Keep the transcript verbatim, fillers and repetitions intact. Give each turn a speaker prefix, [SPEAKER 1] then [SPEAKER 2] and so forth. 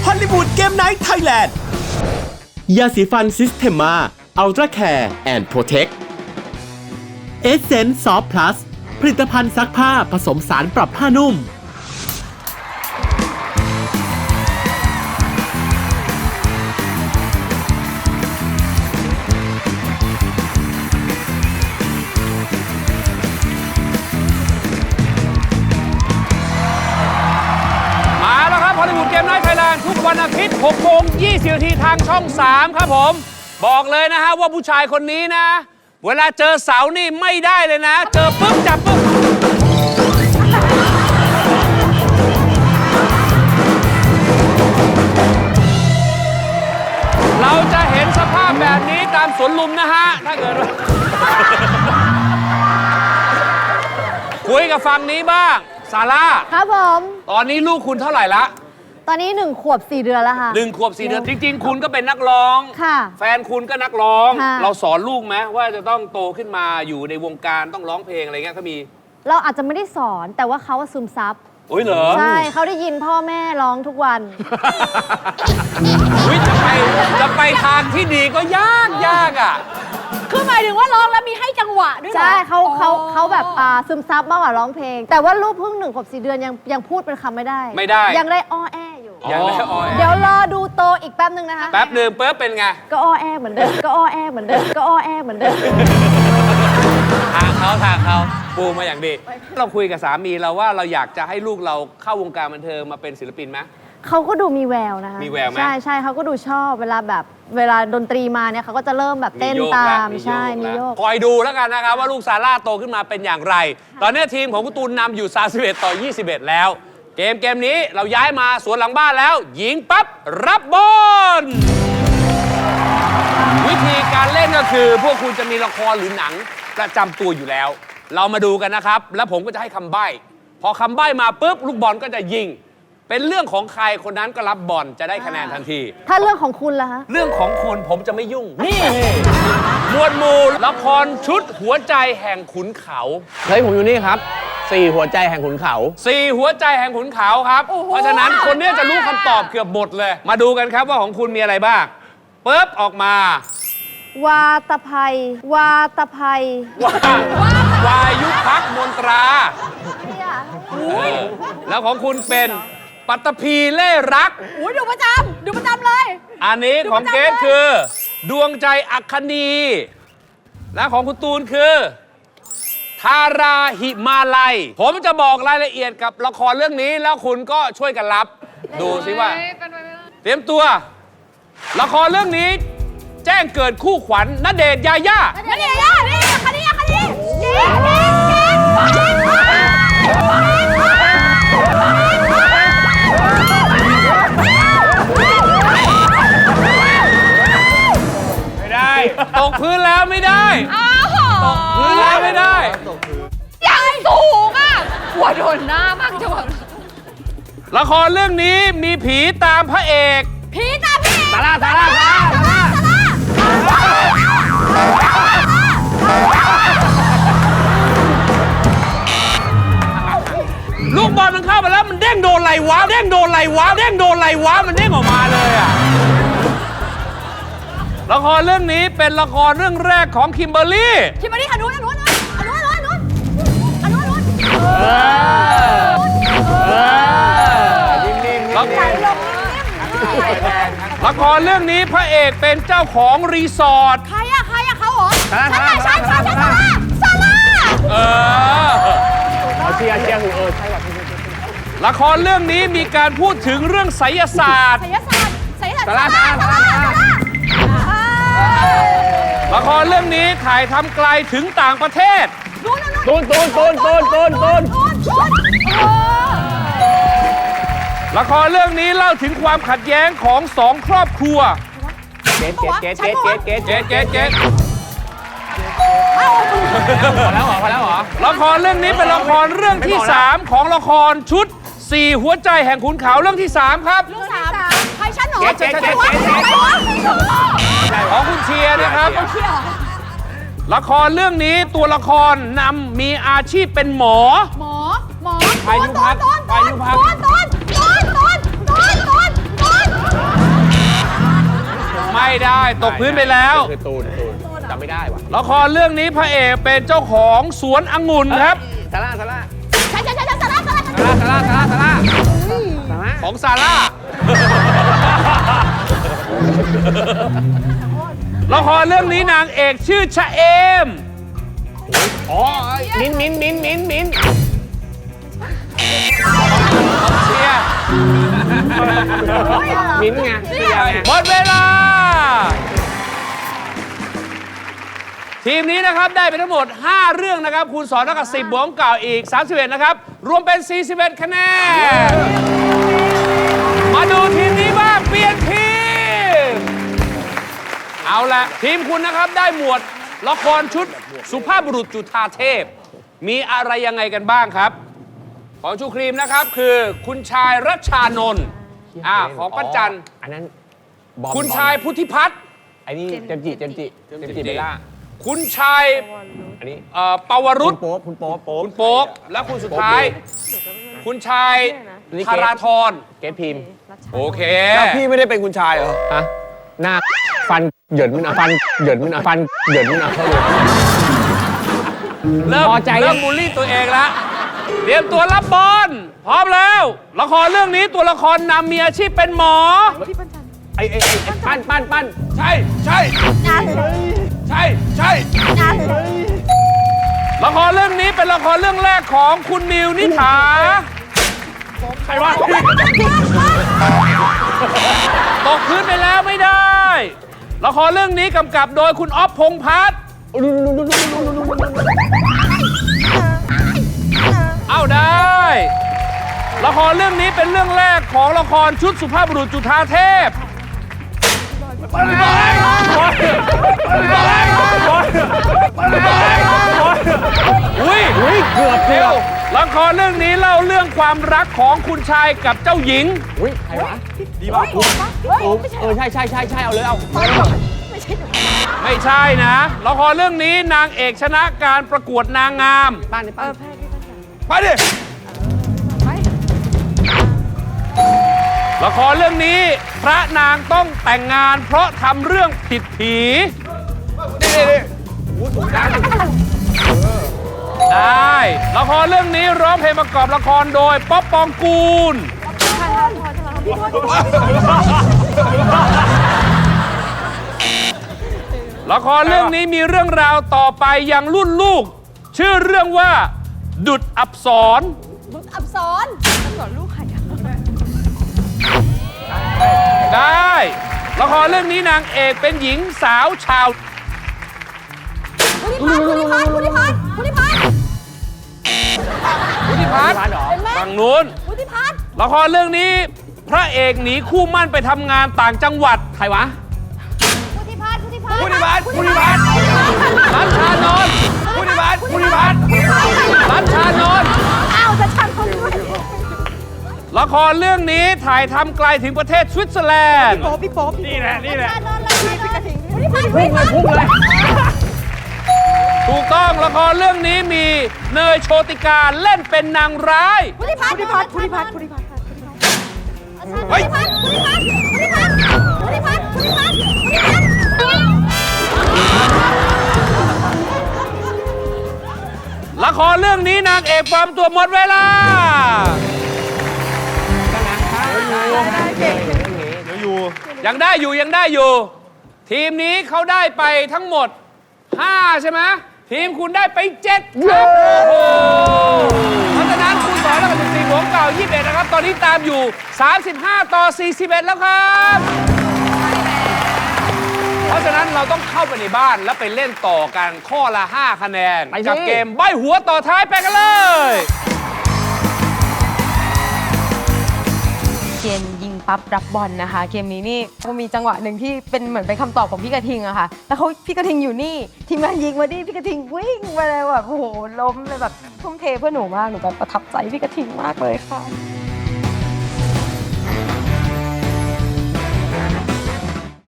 [SPEAKER 1] ฮอลลีวูดเกมไนท์ไทยแลนด์ยาสีฟันซิสเทมมาอัลตร้าแคร์แอนด์โปรเทคเอเซนส์ซอฟต์พลัสผลิตภัณฑ์ซักผ้าผสมสารปรับผ้านุ่ม
[SPEAKER 2] ฮอลลีวูดเกมไนท์ไทยแลนด์ทุกวันอาทิตย์หกโมงยี่สิบนาทีทางช่องสามครับผมบอกเลยนะฮะว่าผู้ชายคนนี้นะ เวลาเจอเสานี่ไม่ได้เลยนะ เจอปุ๊บจับปุ๊บเราจะเห็นสภาพแบบนี้ตามสวนลุมนะฮะถ้าเกิดว่าคุยกับฝั่งนี้บ้างซาร่า
[SPEAKER 3] ครับผม
[SPEAKER 2] ตอนนี้ลูกคุณเท่าไหร่ละ
[SPEAKER 3] ตอนนี้หนึ่งขวบสี่เดือนแล้วค่ะ
[SPEAKER 2] หนึ่งขวบสี่เดือนจริงๆคุณก็เป็นนักร้อง
[SPEAKER 3] ค่ะ
[SPEAKER 2] แฟนคุณก็นักร้องเราสอนลูกไหมว่าจะต้องโตขึ้นมาอยู่ในวงการต้องร้องเพลงอะไรเงี้ยเขามี
[SPEAKER 3] เราอาจจะไม่ได้สอนแต่ว่าเขาซึมซับ
[SPEAKER 2] โอ้ยเหรอ
[SPEAKER 3] ใช่เขาได้ยินพ่อแม่ร้องทุกวัน
[SPEAKER 2] วิจะไปจะไปทางที่ดีก็ยากยากอ่ะ
[SPEAKER 4] คือหมายถึงว่าร้องแล้วมีให้จังหวะด้วย
[SPEAKER 3] ใช่เขาเขาเขาแบบอ่าซึมซับมากกว่าร้องเพลงแต่ว่าลูกเพิ่งหนึ่งขวบสี่เดือนยังยังพูดเป็นคำไม่ได้
[SPEAKER 2] ไม่ได้
[SPEAKER 3] ยังได้อ้อแออยู่
[SPEAKER 2] ยังได้อ้อแอ
[SPEAKER 3] เดี๋ยวรอดูโตอีกแป๊บนึงนะคะ
[SPEAKER 2] แป๊บนึงเปิ๊บเป็นไง
[SPEAKER 3] ก็อ้อแอเหมือนเดิมก็อ้อแอเหมือนเดิมก็อ้อแอเหมือนเดิม
[SPEAKER 2] ทางเขาทางเขาปูมาอย่างดีเราคุยกับสามีเราว่าเราอยากจะให้ลูกเราเข้าวงการบันเทิงมาเป็นศิลปินไหม
[SPEAKER 3] เขาก็ดูมีแววนะคะ
[SPEAKER 2] มีแววไหม
[SPEAKER 3] ใช่ใช่เขาก็ดูชอบเวลาแบบเวลาดนตรีมาเนี่ยเขาก็จะเริ่มแบบเต้นตามใช่มีโยก
[SPEAKER 2] คอยดูแล้วกันนะครับว่าลูกซาร่าโตขึ้นมาเป็นอย่างไรตอนนี้ทีมของคุณตูนนำอยู่สามสิบเอ็ดต่อยี่สิบเอ็ดแล้วเกมเกมนี้เราย้ายมาสวนหลังบ้านแล้วยิงปั๊บรับบอลวิธีการเล่นก็คือพวกคุณจะมีละครหรือหนังประจำตัวอยู่แล้วเรามาดูกันนะครับแล้วผมก็จะให้คำใบ้พอคำใบ้มาปุ๊บลูกบอลก็จะยิงเป็นเรื่องของใครคนนั้นก็รับบอลจะได้คะแนนทันที
[SPEAKER 3] ถ้าเรื่องของคุณล่ะฮะ
[SPEAKER 2] เรื่องของคุณผมจะไม่ยุ่งนี่หมวดหมู่ละครชุดหัวใจแห่งขุนเขา
[SPEAKER 5] เฮ้ยผมอยู่นี่ครับสี่หัวใจแห่งขุนเขา
[SPEAKER 2] สี่หัวใจแห่งขุนเขาครับเพราะฉะนั้นคนนี้จะรู้คำตอบเกือบหมดเลยมาดูกันครับว่าของคุณมีอะไรบ้างปึ๊บออกมาว
[SPEAKER 3] าตภัยวาตภัย
[SPEAKER 2] วาวายุพักมนตราแล้วของคุณเป็นปัตตภีเล่รัก
[SPEAKER 4] อุ้ยดูประจำดูประจำเลย
[SPEAKER 2] อันนี้ของเกรซคือดวงใจอัคคณีและของคุณตูนคือทาราหิมาลัยผมจะบอกรายละเอียดกับละครเรื่องนี้แล้วคุณก็ช่วยกันรับดูสิว่าเตรียมตัวละครเรื่องนี้แจ้งเกิดคู่ขวัญณเดชน์ยาย่า
[SPEAKER 4] ณเดชน์ยาย่านี่คดีคดีเก่งเก่งเก่ง
[SPEAKER 2] ไม่ได้ตกพื้นแล้วไม่ได้ตกพื้นแล้วไม่ได้
[SPEAKER 4] ยังสูงอ่ะหัวโดนหน้ามากจัง
[SPEAKER 2] ละครเรื่องนี้มีผีตามพระเอก
[SPEAKER 4] ผีตามพระเอก
[SPEAKER 2] ซาร่าซาร่าซาร่าลูกบอลมันเข้าไปแล้วมันเด้งโดนไหลวะเด้งโดนไหลวะเด้งโดนไหลวะมันเด้งออกมาเลยอะละครเรื่องนี้เป็นละครเรื่องแรกของคิมเบอร์รี่
[SPEAKER 4] คิมเบอร์รี่อนุอนุอนุอนุอนุอนุอนุอนุ
[SPEAKER 2] ละครเรื่องนี้พระเอกเป็นเจ้าของรีสอร์ท
[SPEAKER 4] ใครอะใครอะเขาเหรอใช่ใช่ใช่ใช่ซาร่าซาร่า
[SPEAKER 2] เออ
[SPEAKER 5] เอาเชียร์เชียร์หูเออใช่แบบ
[SPEAKER 2] ละครเรื่องนี้มีการพูดถึงเรื่องไสยศาสตร์
[SPEAKER 4] ไสยศาสตร์ไสยศาสตร์
[SPEAKER 2] ซาร่าซาร่าซาร่าละครเรื่องนี้ถ่ายทำไกลถึงต่างประเทศ
[SPEAKER 5] ตูนตูนตูนตูนตูนตูน
[SPEAKER 2] ละครเรื่องนี้เล่าถึงความขัดแย้งของสองครอบครัว
[SPEAKER 5] เกตเกตเกตเกตเกตเกต
[SPEAKER 2] เกตเกตเกต
[SPEAKER 5] พอแล้วเหรอพอแล้วเหรอ
[SPEAKER 2] ละครเรื่องนี้เป็นละครเรื่องที่สามของละครชุดสี่หัวใจแห่งขุนเขาเรื่องที่สามครับ
[SPEAKER 4] เรื่องสามใครฉันหรอ
[SPEAKER 2] เกตเกตเกตของคุณเชียร์นะครับละครเรื่องนี้ตัวละครนำมีอาชีพเป็นหมอ
[SPEAKER 4] หมอหมอ
[SPEAKER 2] พายุพัดพายุพัด
[SPEAKER 4] ต้นต้นต้นต้นต้นต้น
[SPEAKER 2] ได้ตกพื้นไปแล้ว
[SPEAKER 5] คือตูนตูนจำไม่ได้ว่ะ
[SPEAKER 2] ละครเรื่องนี้พระเอกเป็นเจ้าของสวนองุ่นครับ
[SPEAKER 5] ซาร่าซาร่า
[SPEAKER 3] ใช่ใช่ใช่ใช่สาระสาระ
[SPEAKER 5] ซาร่าซาร่าซาร่าซาร่า
[SPEAKER 2] ของซาร่า ละครเรื่องนี้นางเอกชื่อชะเอม
[SPEAKER 5] อ๋อมิ้นมิ้นมิ้นมิ้นมิ้น
[SPEAKER 2] เชียร์
[SPEAKER 5] มิ้นไงเชียร์ไง
[SPEAKER 2] หมดเวลา ทีมนี้นะครับได้ไปทั้งหมด ห้า เรื่องนะครับคูณสองเท่ากับสิบบวกเก่าอีกสามสิบเอ็ดนะครับรวมเป็น สี่สิบเอ็ด คะแนน มาดูทีมนี้บ้างเปลี่ยนทีม เอาละทีมคุณนะครับได้หมวดละครชุดสุภาพบุรุษจุฑาเทพ มีอะไรยังไงกันบ้างครับ ของชูครีมนะครับคือคุณชายรัชชานนท์อ่าของป้าจัน
[SPEAKER 5] อันนั้นบอม
[SPEAKER 2] คุณชายพุทธิพัฒน์
[SPEAKER 5] ไอ้นี่เจมส์จิเจมส์จิเจมส์จิเบลล่า
[SPEAKER 2] คุณชาย
[SPEAKER 5] อันนี้
[SPEAKER 2] เอ่อปวรุ
[SPEAKER 5] คุ
[SPEAKER 2] ษ
[SPEAKER 5] ณโป๊ปคุณโป๊ปโป๊ป
[SPEAKER 2] คุณโป๊ปและคุณสุดท้าย คุณชาย
[SPEAKER 5] นี่เกรท
[SPEAKER 2] ธาราธร
[SPEAKER 5] เกตพิมพ์
[SPEAKER 2] โอเค
[SPEAKER 6] แล้วพี่ไม่ได้เป็นคุณชายเหรอ
[SPEAKER 5] ฮะหน้าฟันเหยินมันอ่ะฟันเหยินมันอ่ะฟันเหยินมันอ่ะเข้าเลย
[SPEAKER 2] เริ่ม
[SPEAKER 5] พอใจยัง
[SPEAKER 2] เริ่มบูลลี่ตัวเองแล้วเตรียมตัวรับบอลพร้อมแล้ว ละครเรื่องนี้ตัวละครนำมีอาชีพเป็นหมอ
[SPEAKER 5] ไอ้ไอ้ไอ้ไอ้ปั้นปั้นปั้น
[SPEAKER 2] ใช่ใช่ใช่ใช่ละครเรื่องนี้เป็นละครเรื่องแรกของคุณมิวนิษฐาใครวะตกพื้นไปแล้วไม่ได้ ละครเรื่องนี้กำกับโดยคุณอ๊อฟพงษ์พัฒน์เอาได้ ละครเรื่องนี้เป็นเรื่องแรกของละครชุดสุภาพบุรุษจุฑาเทพ อุ้ย
[SPEAKER 5] อุ้ยเกือบ
[SPEAKER 2] เร็
[SPEAKER 5] เกือ
[SPEAKER 2] ว
[SPEAKER 5] บ
[SPEAKER 2] ละครเรื่องนี้เล่าเรื่องความรักของคุณชายกับเจ้าหญิง
[SPEAKER 5] อุ้ยใครวะดีป่ะเออใช่ใช่ใช่ใช่เอาเลยเอา
[SPEAKER 2] ไม่ใช่นะ ละครเรื่องนี้นางเอกชนะการประกวดนางงาม
[SPEAKER 5] ปั้นนี่ปั้น
[SPEAKER 2] ไปดิ ละครเรื่องนี้พระนางต้องแต่งงานเพราะทำเรื่องผิดผี ได้ ละครเรื่องนี้ร้องเพลงประกอบละครโดยป๊อปปองกูล ละครเรื่องนี้มีเรื่องราวต่อไปยังรุ่นลูก ชื่อเรื่องว่า ดุจอับสร
[SPEAKER 3] อับสร
[SPEAKER 2] ได้ ละครเรื่องนี้นางเอกเป็นหญิงสาวชาว
[SPEAKER 3] พุทธิพัฒน์พุทธิพัฒน์พุทธิพัฒน์
[SPEAKER 2] พุทธิพัฒน์ฝั่งนู้น
[SPEAKER 3] พุทธิพัฒน์
[SPEAKER 2] ละครเรื่องนี้พระเอกหนีคู่มั่นไปทำงานต่างจังหวัด
[SPEAKER 5] ใครวะ
[SPEAKER 3] พุทธิพัฒน์พุทธิพัฒน์
[SPEAKER 2] พุทธิพัฒน์พุทธิพัฒน์รัชชานนท์พุทธิพัฒน์พุทธิพัฒน์รัชชานนท์
[SPEAKER 3] อ้าวจะชันคนด้วย
[SPEAKER 2] ละครเรื่องนี้ถ่ายทำไกลถึงประเทศสวิตเซอร์แลนด์
[SPEAKER 3] พี่โป๊ป
[SPEAKER 2] นี่แหละนี่แหละ
[SPEAKER 3] นอนเลยพี่กระถิ่งพุทธิพัฒน์พุทธิพัฒน์
[SPEAKER 5] พุ่งเลย
[SPEAKER 2] ถูกต้องละครเรื่องนี้มีเนยโชติกาเล่นเป็นนางร้าย
[SPEAKER 3] พุทธิพัฒน์พุทธิพัฒน์พุทธิพัฒน์พุทธิพัฒน์
[SPEAKER 2] เฮ้ย
[SPEAKER 3] พุทธิพัฒน์พุทธิพัฒน์พุทธิพัฒน์พุทธิพัฒน์พุทธิพัฒน์พุทธิพัฒน์
[SPEAKER 2] ละครเรื่องนี้นางเอกปลอมตัวหมดเวลา ยังได้อยู่ยังได้อยู่ ทีมนี้เขาได้ไปทั้งหมด ห้า ใช่ไหมทีมคุณได้ไป เจ็ด ครับโอ้โหเพราะฉะนั้นคุณสอนแล้วกับสิบสี่บวกเก่ายี่สิบเอ็ดนะครับ ตอนนี้ตามอยู่ สามสิบห้า ต่อ สี่สิบเอ็ด แล้วครับ เพราะฉะนั้นเราต้องเข้าไปในบ้านแล้วไปเล่นต่อกันข้อละ ห้า คะแนน
[SPEAKER 5] ไปสิ
[SPEAKER 2] กับเกมใบหัวต่อท้ายไปกันเลย
[SPEAKER 4] เกมยิงปั๊บรับบอลนะคะ เกมนี้นี่ก็มีจังหวะหนึ่งที่เป็นเหมือนเป็นคำตอบของพี่กระทิงอะค่ะแล้วเขาพี่กระทิงอยู่นี่ทีมงานยิงมาดิพี่กระทิงวิ่งไปเลยแบบโอ้โหล้มเลยแบบทุ่มเทเพื่อหนูมากหนูแบบประทับใจพี่กระทิงมากเลยค่ะ